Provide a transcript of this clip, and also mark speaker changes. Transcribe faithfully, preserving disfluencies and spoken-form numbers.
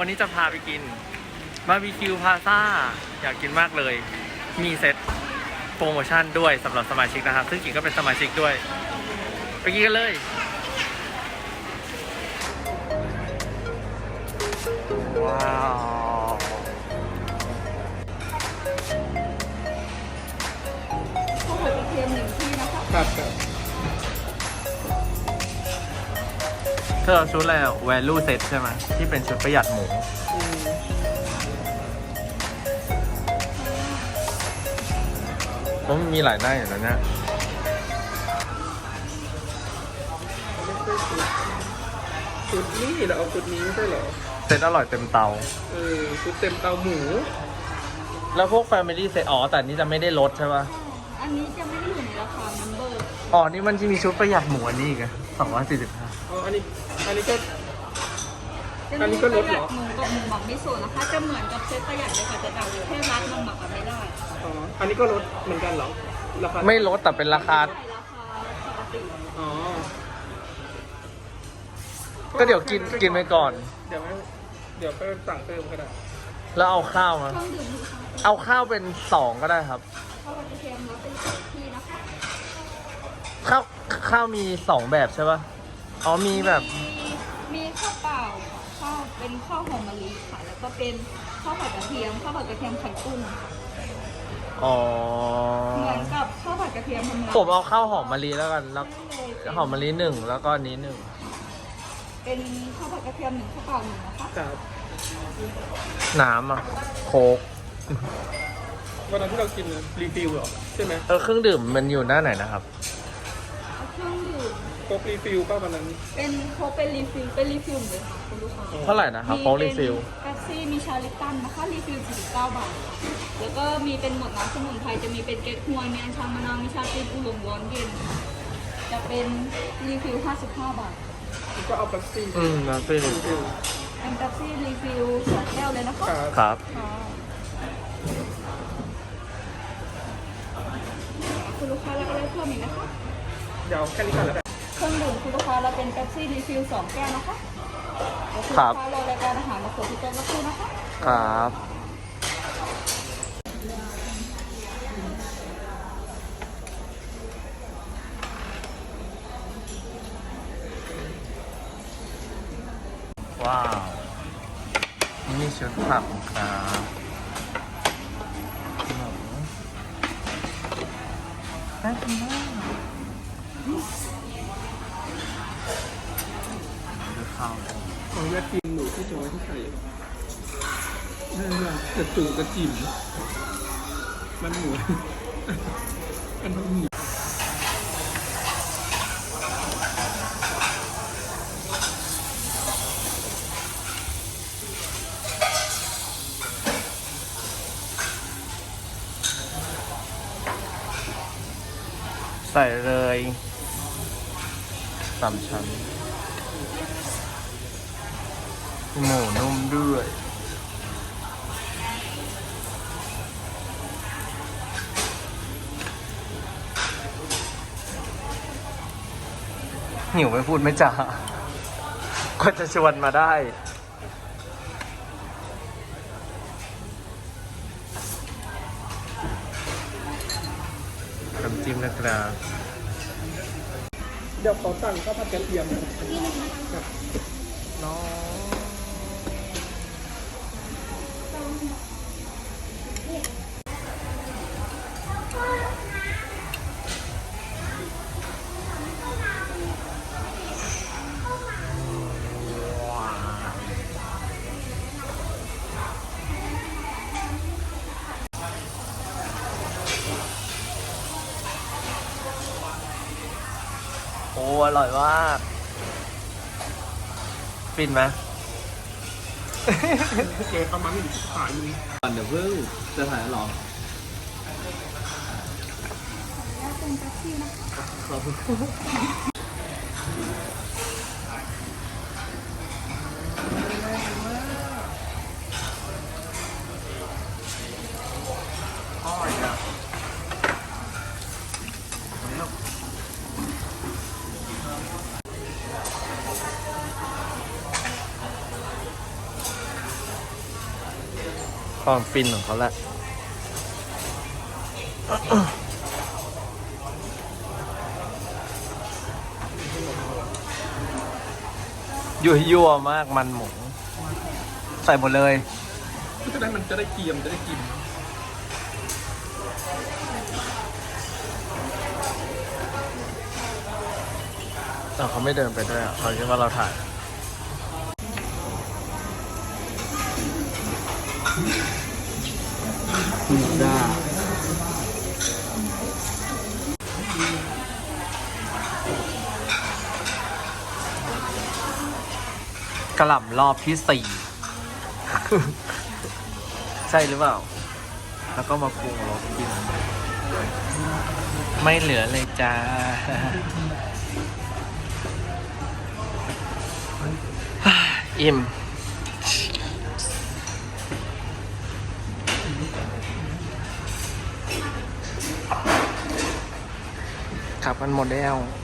Speaker 1: วันนี้จะพาไปกินบาร์บีคิวพาซ่าอยากกินมากเลย มีเซ็ตโปรโมชั่นด้วยสำหรับสมาชิกนะครับซึ่งกิ่งก็เป็นสมาชิกด้วย ไปกินกันเลยว้าว
Speaker 2: ข้าวผัดกระเทียมหนึ่งที่นะคะ
Speaker 1: ครับเธอเอาชุดอะไรแวลูเซ็ตใช่ไหมที่เป็นชุดประหยัดหมูเพราะมันมีหลายหน้าอย่างนั้นเนี่ย
Speaker 3: ชุดนี้เราเอาชุดนี้ไม่ใช่เหรอ
Speaker 1: เซ็ตอร่อยเต็มเตา
Speaker 3: เออชุดเต็มเตาหมู
Speaker 1: แล้วพวก Family เซ็ตอ๋อแต่นี้จะไม่ได้ลดใช่ป่ะ
Speaker 2: อันนี้จะไม่ได้อยู่ในราคานัมเบอร์
Speaker 1: อ๋อนี่มันจะมีชุดประหยัดหมูอันนี้อีกอะสองร้อยสี่สิบห้า
Speaker 3: อ๋ออันนี้อันนี้ก็อันนี้ก็ลดเหรอ
Speaker 2: หมูกับหมูหมักมิโซะนะคะจะเหมือนกับเซตประหยัดเลยค่ะแต่ต่างอยู่แค่ร้านมันหมักไม่ได้
Speaker 3: อ๋ออันนี้ก็ลดเหมือนกันเหรอราคา
Speaker 1: ไม่ลดแต่เป็นราคา
Speaker 2: ราคาปกติ
Speaker 3: อ๋อ
Speaker 1: ก็เดี๋ยวกินกินไปก่อน
Speaker 3: เดี๋ยวเดี๋ยวไปสั่งเติมก็ได้
Speaker 1: แล้วเอาข้าวมาเอาข้าวเป็นสองก็ได้ครับ
Speaker 2: ข้าวกระเทียมแล้วเป็นสองที่นะคะ
Speaker 1: ข้าวข้าวมีสองแบบใช่ป่ะอ๋อมีแบบ
Speaker 2: มีข้าวเปล่าข้าวเป็นข้าวหอมมะลิค่ะแล้วก็เป็นข้าวผัดกระเทียมข้าวผัดกระเทียมไข่กุ้ง
Speaker 1: อ๋อ
Speaker 2: เหมือนกับข้าวผัดกระเทียมธรรมดา
Speaker 1: ผมเอาข้าวหอมมะลิแล้วกันแล้วหอมมะลิหนึ่งแล้วก็นี้หนึ่ง
Speaker 2: เป็นข้าวผัดกระเทียมหนึ่งข้าวเปล่าหนึ่งนะคะ
Speaker 3: ครับ
Speaker 1: น้ำอ่ะโค้ก
Speaker 3: วันนั้นที่เรากินรีฟิลเหรอใช่ไหม
Speaker 1: เออเครื่องดื่มมันอยู่หน้าไหนนะครับ
Speaker 2: เครื่องดื่ม
Speaker 3: โค้กรีฟิลป่ะวันนั้น
Speaker 2: เป็นโค้กเป็นรีฟิลเป็นรีฟิลเลยค่ะคุณลูกค้า
Speaker 1: เท่าไหร่นะครับโค้กรีฟิล
Speaker 2: แป๊บซี่มีชาลิปตันนะคะรีฟิลสี่สิบเก้าบาทแล้วก็มีเป็นหมดน้ำสมุนไพรจะมีเป็นเก๊กฮวยมีอัญชันมะนาวมีชาจีนอุหลงร้อนเย็นจะเป็นรีฟิลห้าสิบห้าบาท
Speaker 3: ก็เอาแป๊บซี่
Speaker 1: อืมแป๊บซี่รีฟิล
Speaker 2: เป็นแป๊บซี่รีฟิลสองแก้วเลยนะคะ
Speaker 1: ครับ
Speaker 2: คุณลูกค้าแล้วก็ได้เพิ่มอีกนะคะ
Speaker 3: เดี๋ยวแค่นี้ก่อนแล้วกัน
Speaker 2: เครื่องดื่มคุณลูกค้าเราเป็นแป๊บซี่รีฟิลสองแก้วนะคะ
Speaker 1: ครับ
Speaker 2: คุณลูกค้ารอรายการอาหารมาเสิร์ฟที่โต๊ะสักครู่นะคะ
Speaker 1: ครับว้าวนี่ชุดผักครับน่ากินมากดูข้าว
Speaker 3: ของแวะกินหนูที่จะไว้ที่ใส่นั่นแหละกระตุกกระจิ๋มมันหมูอันนั้นหมู
Speaker 1: ใส่เลยสามชั้นหมูนุ่มด้วยหิวไม่พูดไม่จ่าก็จะชวนมาได้น้ำจิ้มนะครับ
Speaker 3: เดี๋ยวขอสั่งข้าวผัดกระเทียม
Speaker 1: น้องโอ้อร่อยมากฟินไหม
Speaker 3: เกประมาณหนึ่งขายมึง
Speaker 1: ก่อนเดี๋ยวเพิ่งจะถ่ายหรอ
Speaker 2: แล้วเป็นแป๊บซี่นะคะ
Speaker 1: ขอบคุณความฟินของเขาแหละ ยั่วยั่วมากมันหมู ใส่หมดเลย
Speaker 3: จะได้มันจะได้เกรียมจะได้กิน
Speaker 1: แต่เขาไม่เดินไปด้วยอ่ะเขาคิดว่าเราถ่าย
Speaker 3: พิซซ่าก
Speaker 1: ระหล่ำรอบที่สี่ ใช่หรือเปล่า แล้วก็มาปรุงรสกิน ไม่เหลือเลยจ้า อิ่ม ขับกันหมดแล้ว